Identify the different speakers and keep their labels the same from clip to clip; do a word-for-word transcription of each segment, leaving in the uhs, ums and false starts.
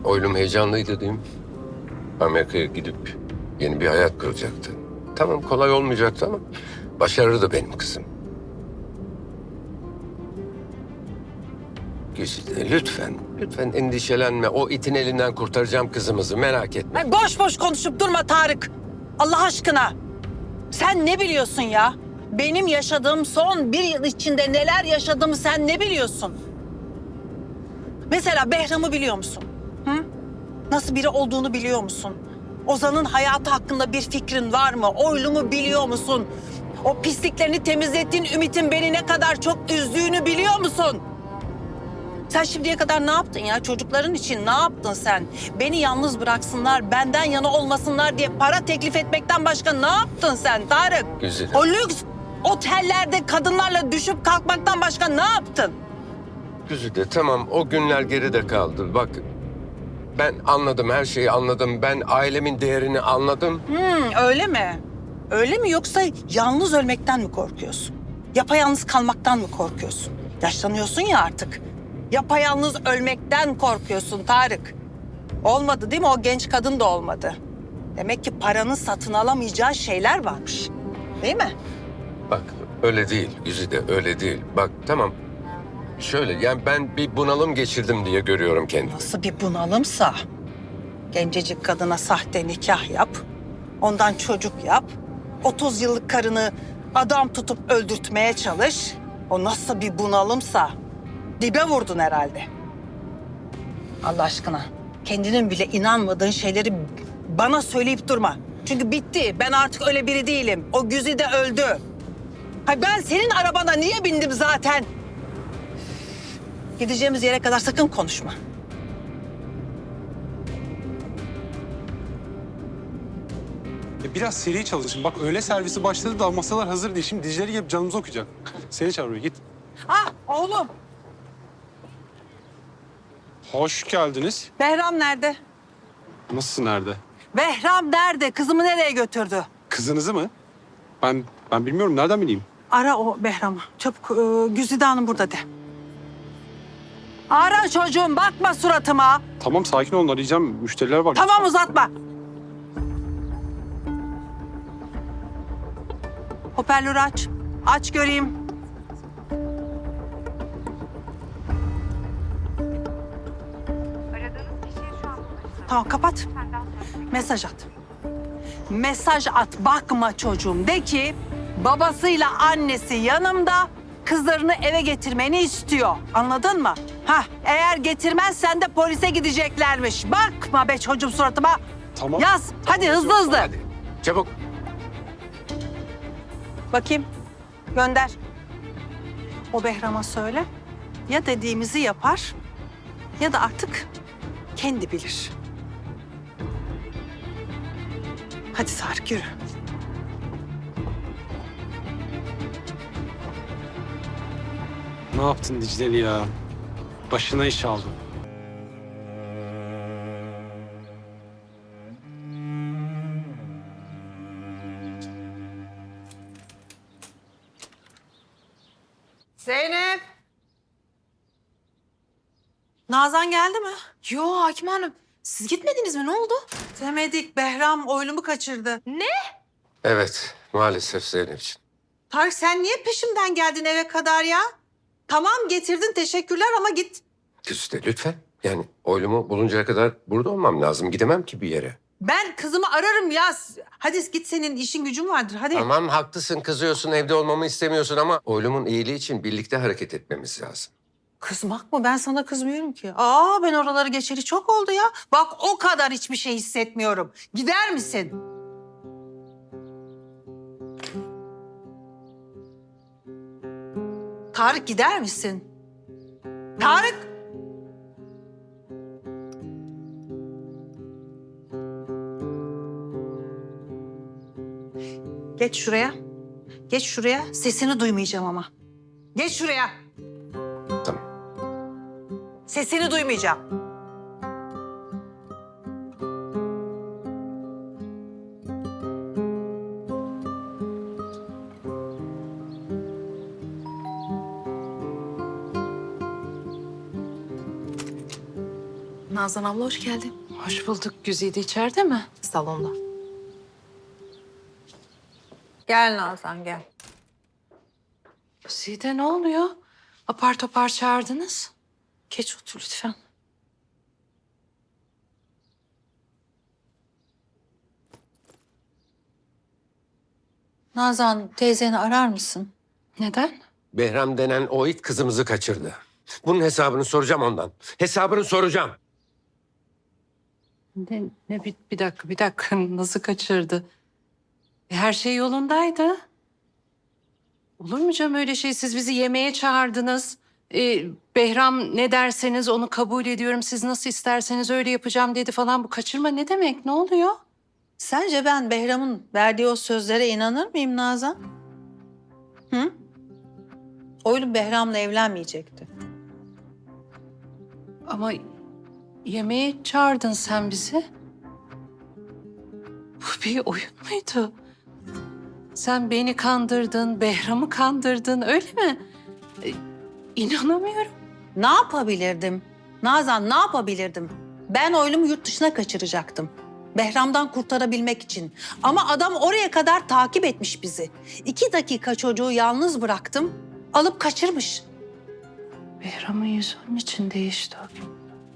Speaker 1: Oylum heyecanlıydı değil mi? Amerika'ya gidip yeni bir hayat kuracaktı. Tamam, kolay olmayacaktı ama başarırdı benim kızım. Güzide, lütfen, lütfen endişelenme. O itin elinden kurtaracağım kızımızı, merak etme.
Speaker 2: Ay boş boş konuşup durma Tarık. Allah aşkına. Sen ne biliyorsun ya? Benim yaşadığım son bir yıl içinde neler yaşadığımı sen ne biliyorsun? Mesela Behram'ı biliyor musun? Hı? Nasıl biri olduğunu biliyor musun? Ozan'ın hayatı hakkında bir fikrin var mı? Oylum'u biliyor musun? O pisliklerini temizlettiğin Ümit'in beni ne kadar çok üzdüğünü biliyor musun? Sen şimdiye kadar ne yaptın ya? Çocukların için ne yaptın sen? Beni yalnız bıraksınlar, benden yana olmasınlar diye para teklif etmekten başka ne yaptın sen Tarık?
Speaker 1: Güzide.
Speaker 2: O lüks otellerde kadınlarla düşüp kalkmaktan başka ne yaptın?
Speaker 1: Güzide, tamam, o günler geride kaldı. Bak, ben anladım, her şeyi anladım. Ben ailemin değerini anladım.
Speaker 2: Hmm, öyle mi? Öyle mi yoksa yalnız ölmekten mi korkuyorsun? Yapayalnız kalmaktan mı korkuyorsun? Yaşlanıyorsun ya artık. Yapayalnız ölmekten korkuyorsun Tarık. Olmadı değil mi? O genç kadın da olmadı. Demek ki paranın satın alamayacağı şeyler varmış. Değil mi?
Speaker 1: Bak, öyle değil Güzide, öyle değil. Bak, tamam, şöyle, yani ben bir bunalım geçirdim diye görüyorum kendimi.
Speaker 2: Nasıl bir bunalımsa. Gencecik kadına sahte nikah yap. Ondan çocuk yap. otuz yıllık karını adam tutup öldürtmeye çalış. O nasıl bir bunalımsa. Dibe vurdun herhalde. Allah aşkına. Kendinin bile inanmadığın şeyleri bana söyleyip durma. Çünkü bitti. Ben artık öyle biri değilim. O Güzide öldü. Ha ben senin arabana niye bindim zaten? Gideceğimiz yere kadar sakın konuşma.
Speaker 3: E biraz seri çalışın. Bak öğle servisi başladı da masalar hazır değil. Şimdi Dicle'leri gelip canımızı okuyacak. Seni çağırıyor, git.
Speaker 2: Ah oğlum.
Speaker 3: Hoş geldiniz.
Speaker 2: Behram nerede?
Speaker 3: Nasılsın, nerede?
Speaker 2: Behram nerede? Kızımı nereye götürdü?
Speaker 3: Kızınızı mı? Ben ben bilmiyorum. Nereden bileyim?
Speaker 2: Ara o Behram'ı. Çabuk e, Güzide Hanım burada de. Ara çocuğum bakma suratıma.
Speaker 3: Tamam, sakin olun. Arayacağım. Müşteriler var.
Speaker 2: Tamam uzatma. Hoparlörü aç. Aç göreyim.
Speaker 4: Aradığınız kişiye şu an ulaşılamıyor.
Speaker 2: Tamam kapat.
Speaker 4: Senden sonra
Speaker 2: Mesaj at. Mesaj at bakma çocuğum. De ki babasıyla annesi yanımda kızlarını eve getirmeni istiyor. Anladın mı? Hah eğer getirmezsen de polise gideceklermiş. Bakma be çocuğum suratıma.
Speaker 3: Tamam.
Speaker 2: Yaz. Hadi hızlı hızlı.
Speaker 1: Hadi, çabuk.
Speaker 2: Bakayım. Gönder. O Behram'a söyle. Ya dediğimizi yapar ya da artık kendi bilir. Hadi Tarık yürü.
Speaker 3: Ne yaptın Dicle'li ya? Başına iş aldın.
Speaker 2: Zeynep. Nazan geldi mi?
Speaker 5: Yo Hakim Hanım. Siz gitmediniz mi? Ne oldu?
Speaker 2: Demedik. Behram oylumu kaçırdı.
Speaker 1: Evet, maalesef Zeynep'ciğim.
Speaker 2: Tarık sen niye peşimden geldin eve kadar ya? Tamam getirdin teşekkürler ama git.
Speaker 1: Güzide, lütfen. Yani oylumu buluncaya kadar burada olmam lazım. Gidemem ki bir yere.
Speaker 2: Ben kızımı ararım ya. Hadi git senin işin gücün vardır hadi.
Speaker 1: Tamam, haklısın, kızıyorsun, evde olmamı istemiyorsun ama oylumun iyiliği için birlikte hareket etmemiz lazım.
Speaker 2: Kızmak mı? Ben sana kızmıyorum ki. Aa ben oraları geçeli çok oldu ya. Bak o kadar hiçbir şey hissetmiyorum. Gider misin? Tarık gider misin? Tarık! Geç şuraya. Geç şuraya. Sesini duymayacağım ama. Geç şuraya.
Speaker 1: Tamam.
Speaker 2: Sesini duymayacağım.
Speaker 5: Nazan abla hoş geldin.
Speaker 6: Hoş bulduk. Güzide içeride mi?
Speaker 5: Salonda.
Speaker 2: Gel Nazan gel.
Speaker 6: Güzide ne oluyor? Apar topar çağırdınız. Geç otur lütfen.
Speaker 2: Nazan teyzeni arar mısın?
Speaker 6: Neden?
Speaker 1: Behram denen o it kızımızı kaçırdı. Bunun hesabını soracağım ondan. Hesabını soracağım.
Speaker 6: Ne, ne bir, bir dakika, bir dakika. Nasıl kaçırdı? E, her şey yolundaydı. Olur mu canım öyle şey? Siz bizi yemeğe çağırdınız. E, Behram ne derseniz onu kabul ediyorum. Siz nasıl isterseniz öyle yapacağım dedi falan. Bu kaçırma ne demek? Ne oluyor?
Speaker 2: Sence ben Behram'ın verdiği o sözlere inanır mıyım Nazan? Hı? Oğlum Behram'la evlenmeyecekti.
Speaker 6: Ama yemeğe çağırdın sen bizi. Bu bir oyun muydu? Sen beni kandırdın, Behram'ı kandırdın öyle mi? E, inanamıyorum.
Speaker 2: Ne yapabilirdim? Nazan ne yapabilirdim? Ben oğlumu yurt dışına kaçıracaktım. Behram'dan kurtarabilmek için. Ama adam oraya kadar takip etmiş bizi. İki dakika çocuğu yalnız bıraktım. Alıp kaçırmış.
Speaker 6: Behram'ın yüzü onun için değişti o gün.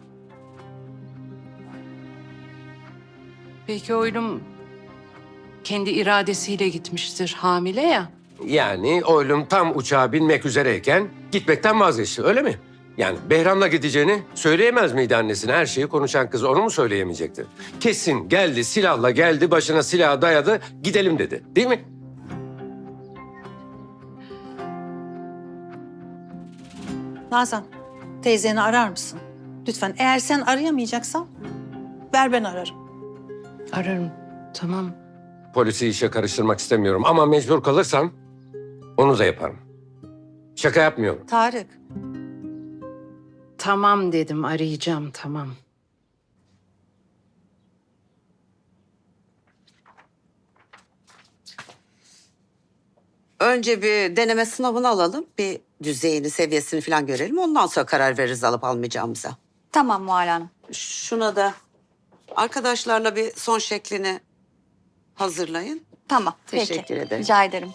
Speaker 6: Belki oğlum kendi iradesiyle gitmiştir hamile ya.
Speaker 1: Yani oğlum tam uçağa binmek üzereyken gitmekten vazgeçti öyle mi? Yani Behram'la gideceğini söyleyemez miydi annesine? Her şeyi konuşan kız onu mu söyleyemeyecekti? Kesin geldi silahla geldi başına silahı dayadı gidelim dedi değil mi?
Speaker 2: Nazan teyzeni arar mısın? Lütfen eğer sen arayamayacaksan ver ben ararım.
Speaker 6: Ararım tamam.
Speaker 1: Polisi işe karıştırmak istemiyorum ama mecbur kalırsam onu da yaparım. Şaka yapmıyorum.
Speaker 2: Tarık.
Speaker 6: Tamam dedim arayacağım tamam.
Speaker 7: Önce bir deneme sınavını alalım. Bir düzeyini, seviyesini falan görelim. Ondan sonra karar veririz alıp almayacağımıza.
Speaker 8: Tamam Muhal Hanım.
Speaker 7: Şuna da arkadaşlarla bir son şeklini hazırlayın.
Speaker 8: Tamam.
Speaker 7: Teşekkür
Speaker 8: peki.
Speaker 7: ederim.
Speaker 8: Rica ederim.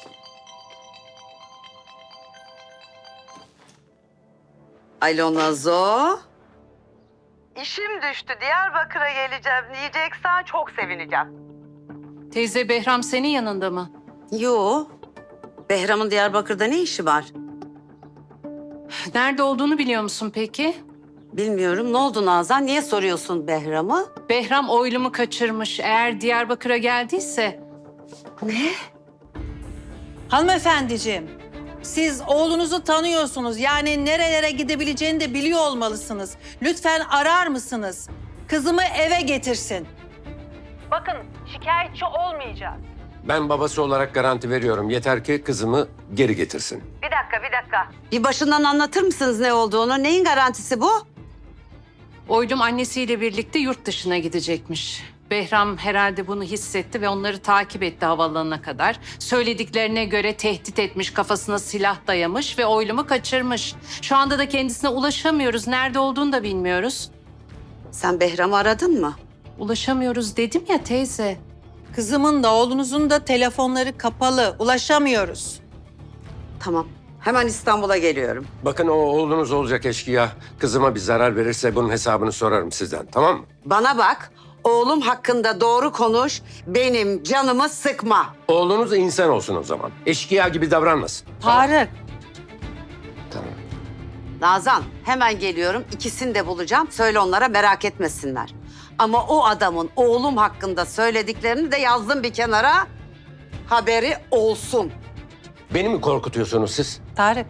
Speaker 7: Alo Nazo. İşim düştü. Diyarbakır'a geleceğim diyeceksen çok sevineceğim.
Speaker 6: Teyze Behram senin yanında mı?
Speaker 7: Yo. Behram'ın Diyarbakır'da ne işi var?
Speaker 6: Nerede olduğunu biliyor musun peki?
Speaker 7: Bilmiyorum. Ne oldu Nazan? Niye soruyorsun Behram'ı?
Speaker 6: Behram oylumu kaçırmış. Eğer Diyarbakır'a geldiyse...
Speaker 7: Ne?
Speaker 2: Hanımefendiciğim, siz oğlunuzu tanıyorsunuz. Yani nerelere gidebileceğini de biliyor olmalısınız. Lütfen arar mısınız? Kızımı eve getirsin. Bakın, şikayetçi olmayacağız.
Speaker 1: Ben babası olarak garanti veriyorum. Yeter ki kızımı geri getirsin.
Speaker 2: Bir dakika, bir dakika.
Speaker 7: Bir başından anlatır mısınız ne olduğunu? Neyin garantisi bu?
Speaker 6: Oylum annesiyle birlikte yurt dışına gidecekmiş. Behram herhalde bunu hissetti ve onları takip etti havaalanına kadar. Söylediklerine göre tehdit etmiş, kafasına silah dayamış ve oylumu kaçırmış. Şu anda da kendisine ulaşamıyoruz. Nerede olduğunu da bilmiyoruz.
Speaker 7: Sen Behram'ı aradın mı?
Speaker 6: Ulaşamıyoruz dedim ya teyze.
Speaker 2: Kızımın da oğlunuzun da telefonları kapalı. Ulaşamıyoruz.
Speaker 7: Tamam. Hemen İstanbul'a geliyorum.
Speaker 1: Bakın o oğlunuz olacak eşkıya. Kızıma bir zarar verirse bunun hesabını sorarım sizden tamam mı?
Speaker 7: Bana bak. Oğlum hakkında doğru konuş. Benim canımı sıkma.
Speaker 1: Oğlunuz insan olsun o zaman. Eşkıya gibi davranmasın.
Speaker 2: Tarık.
Speaker 1: Tamam.
Speaker 7: Nazan hemen geliyorum. İkisini de bulacağım. Söyle onlara merak etmesinler. Ama o adamın oğlum hakkında söylediklerini de yazdım bir kenara. Haberi olsun.
Speaker 1: Beni mi korkutuyorsunuz siz?
Speaker 2: Tarık.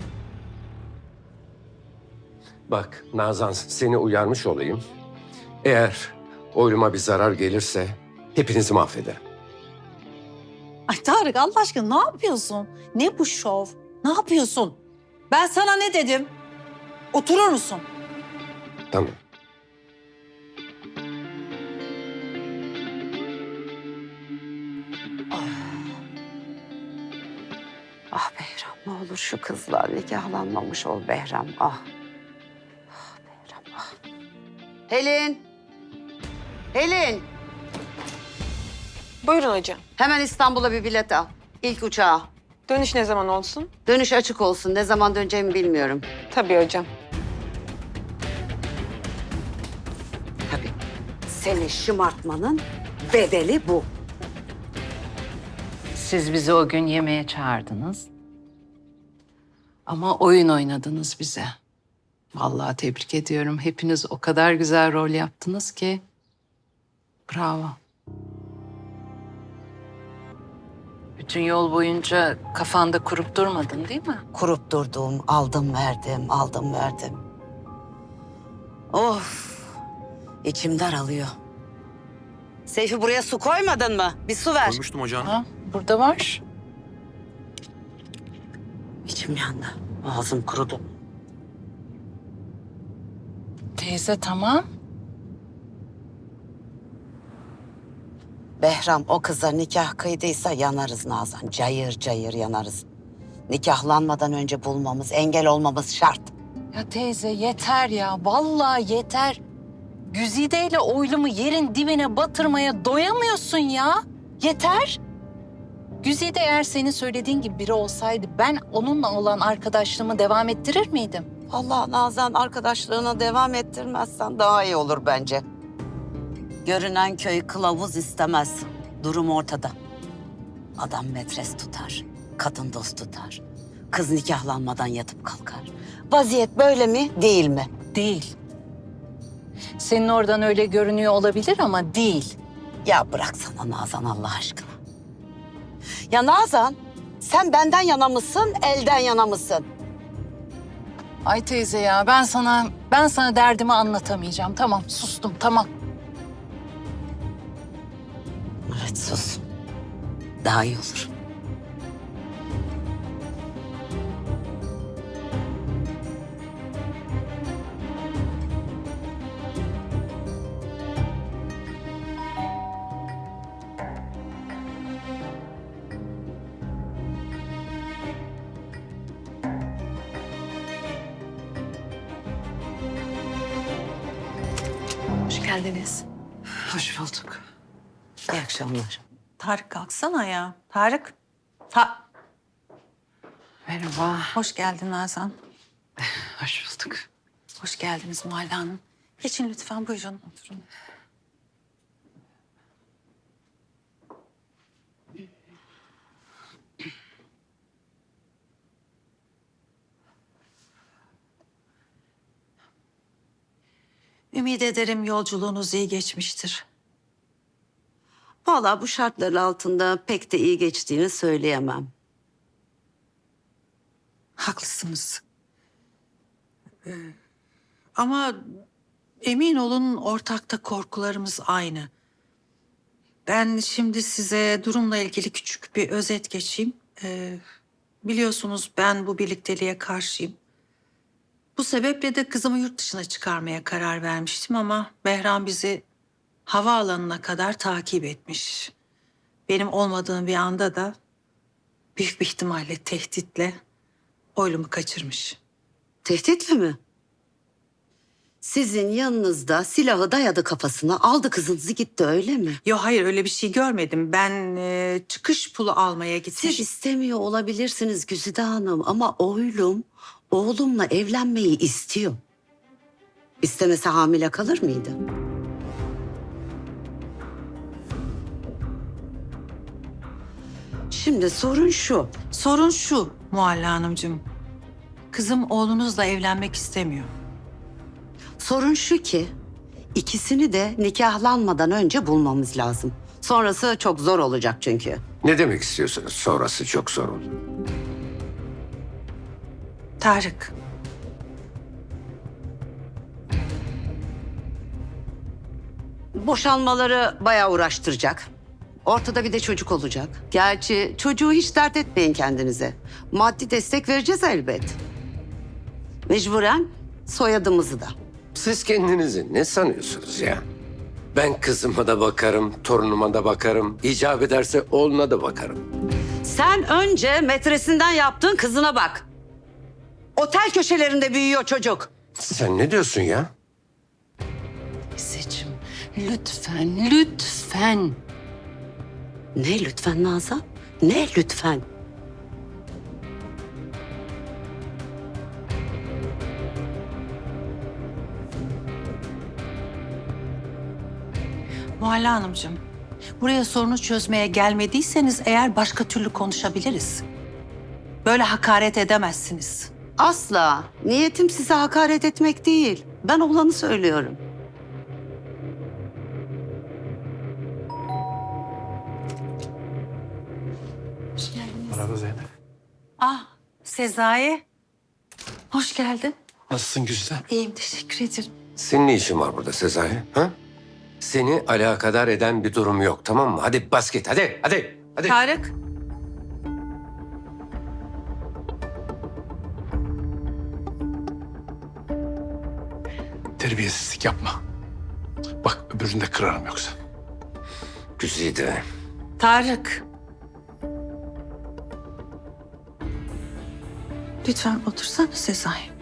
Speaker 1: Bak Nazan seni uyarmış olayım. Eğer oyluma bir zarar gelirse hepinizi mahvederim.
Speaker 2: Ay Tarık Allah aşkına ne yapıyorsun? Ne bu şov? Ne yapıyorsun? Ben sana ne dedim? Oturur musun?
Speaker 1: Tamam.
Speaker 7: Ah Behram ne olur şu kızla nikahlanmamış ol Behram. Ah. Ah Behram ah. Helin. Helin.
Speaker 8: Buyurun hocam.
Speaker 7: Hemen İstanbul'a bir bilet al. İlk uçağa.
Speaker 8: Dönüş ne zaman olsun?
Speaker 7: Dönüş açık olsun. Ne zaman döneceğimi bilmiyorum.
Speaker 8: Tabii hocam.
Speaker 7: Tabii. Seni şımartmanın bedeli bu.
Speaker 6: Siz bizi o gün yemeğe çağırdınız. Ama oyun oynadınız bize. Vallahi tebrik ediyorum. Hepiniz o kadar güzel rol yaptınız ki. Bravo. Bütün yol boyunca kafanda kurup durmadın değil mi?
Speaker 7: Kurup durdum, aldım verdim, aldım verdim. Of, içim daralıyor. Seyfi buraya su koymadın mı? Bir su ver.
Speaker 9: Koymuştum hocam.
Speaker 6: Ha, burada var.
Speaker 7: İçim yandı, ağzım kurudu.
Speaker 6: Teyze tamam.
Speaker 7: Behram o kıza nikah kıydıysa yanarız Nazan. Cayır cayır yanarız. Nikahlanmadan önce bulmamız, engel olmamız şart.
Speaker 6: Ya teyze yeter ya. Vallahi yeter. Güzide ile oylumu yerin dibine batırmaya doyamıyorsun ya. Yeter. Güzide eğer senin söylediğin gibi biri olsaydı ben onunla olan arkadaşlığımı devam ettirir miydim?
Speaker 7: Allah Nazan arkadaşlığına devam ettirmezsen daha iyi olur bence. Görünen köy kılavuz istemez. Durum ortada. Adam metres tutar, kadın dost tutar. Kız nikahlanmadan yatıp kalkar. Vaziyet böyle mi, değil mi?
Speaker 6: Değil. Senin oradan öyle görünüyor olabilir ama değil.
Speaker 7: Ya bıraksana Nazan Allah aşkına. Ya Nazan, sen benden yana mısın, elden yana mısın?
Speaker 6: Ay teyze ya ben sana ben sana derdimi anlatamayacağım. Tamam sustum tamam.
Speaker 7: Evet sus. Daha iyi olur.
Speaker 5: Hoş geldiniz.
Speaker 6: Hoş bulduk.
Speaker 7: İyi akşamlar.
Speaker 2: Tarık kalksana ya. Tarık. Ta
Speaker 6: Merhaba.
Speaker 2: Hoş geldin Nazan.
Speaker 6: Hoş bulduk.
Speaker 2: Hoş geldiniz Muhalle Hanım. Geçin lütfen buyurun oturun. Ümit ederim yolculuğunuz iyi geçmiştir.
Speaker 7: Vallahi bu şartlar altında pek de iyi geçtiğini söyleyemem.
Speaker 2: Haklısınız. Ee, ama emin olun ortakta korkularımız aynı. Ben şimdi size durumla ilgili küçük bir özet geçeyim. Ee, biliyorsunuz ben bu birlikteliğe karşıyım. Bu sebeple de kızımı yurt dışına çıkarmaya karar vermiştim ama Behram bizi havaalanına kadar takip etmiş. Benim olmadığım bir anda da büyük bir ihtimalle tehditle oylumu kaçırmış.
Speaker 7: Tehditle mi? Sizin yanınızda silahı dayadı kafasına, aldı kızınızı gitti öyle mi?
Speaker 2: Yo hayır öyle bir şey görmedim. Ben e, çıkış pulu almaya gitmiş.
Speaker 7: Siz istemiyor olabilirsiniz Güzide Hanım ama oğlum, oğlumla evlenmeyi istiyor. İstemese hamile kalır mıydı? Şimdi sorun şu.
Speaker 2: Sorun şu Muhalle Hanımcığım. Kızım oğlunuzla evlenmek istemiyor.
Speaker 7: Sorun şu ki ikisini de nikahlanmadan önce bulmamız lazım. Sonrası çok zor olacak çünkü.
Speaker 1: Ne demek istiyorsunuz? Sonrası çok zor olur.
Speaker 2: Tarık.
Speaker 7: Boşanmaları bayağı uğraştıracak. Ortada bir de çocuk olacak. Gerçi çocuğu hiç dert etmeyin kendinize. Maddi destek vereceğiz elbet. Mecburen soyadımızı da.
Speaker 1: Siz kendinizi ne sanıyorsunuz ya? Ben kızıma da bakarım, torunuma da bakarım. İcap ederse oğluna da bakarım.
Speaker 7: Sen önce metresinden yaptığın kızına bak. Otel köşelerinde büyüyor çocuk.
Speaker 1: Sen ne diyorsun ya?
Speaker 6: Lütfen, lütfen.
Speaker 7: Ne lütfen Nazan? Ne lütfen?
Speaker 2: Muhalla Hanımcığım, buraya sorunu çözmeye gelmediyseniz eğer başka türlü konuşabiliriz. Böyle hakaret edemezsiniz.
Speaker 7: Asla. Niyetim size hakaret etmek değil. Ben olanı söylüyorum.
Speaker 3: Merhaba Zeynep.
Speaker 2: Ah, Sezai. Hoş geldin.
Speaker 3: Nasılsın Güzide?
Speaker 2: İyiyim, teşekkür ederim.
Speaker 1: Senin ne işin var burada Sezai? Ha? Seni alakadar eden bir durum yok, tamam mı? Hadi bas git, hadi, hadi, hadi.
Speaker 2: Tarık.
Speaker 3: Terbiyesizlik yapma. Bak öbürünü de kırarım yoksa.
Speaker 1: Güzide.
Speaker 2: Tarık. Lütfen otursana Sezai.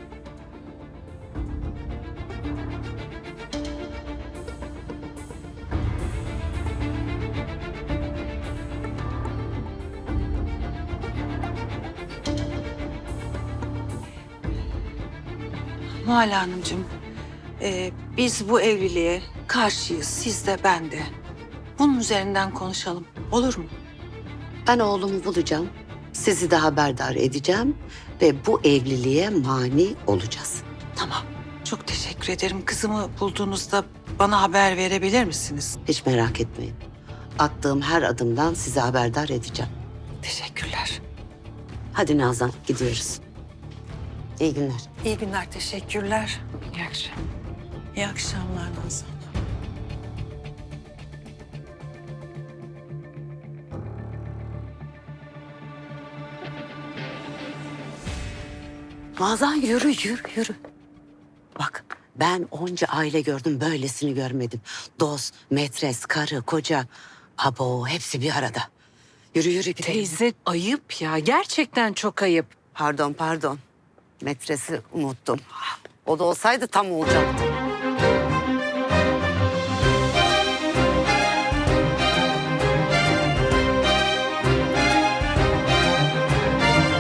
Speaker 2: Muhalla Hanımcığım, e, biz bu evliliğe karşıyız, siz de ben de. Bunun üzerinden konuşalım, olur mu?
Speaker 7: Ben oğlumu bulacağım. Sizi de haberdar edeceğim ve bu evliliğe mani olacağız.
Speaker 2: Tamam, çok teşekkür ederim. Kızımı bulduğunuzda bana haber verebilir misiniz?
Speaker 7: Hiç merak etmeyin. Attığım her adımdan sizi haberdar edeceğim.
Speaker 2: Teşekkürler.
Speaker 7: Hadi Nazan gidiyoruz. İyi günler.
Speaker 2: İyi günler, teşekkürler.
Speaker 6: İyi akşamlar.
Speaker 2: İyi akşamlar Nazan.
Speaker 7: Nazan yürü yürü yürü. Bak ben onca aile gördüm böylesini görmedim. Dost, metres, karı, koca. Abo hepsi bir arada. Yürü yürü gidelim.
Speaker 6: Teyze ayıp ya. Gerçekten çok ayıp.
Speaker 7: Pardon pardon. Metresi unuttum. O da olsaydı tam olacaktı.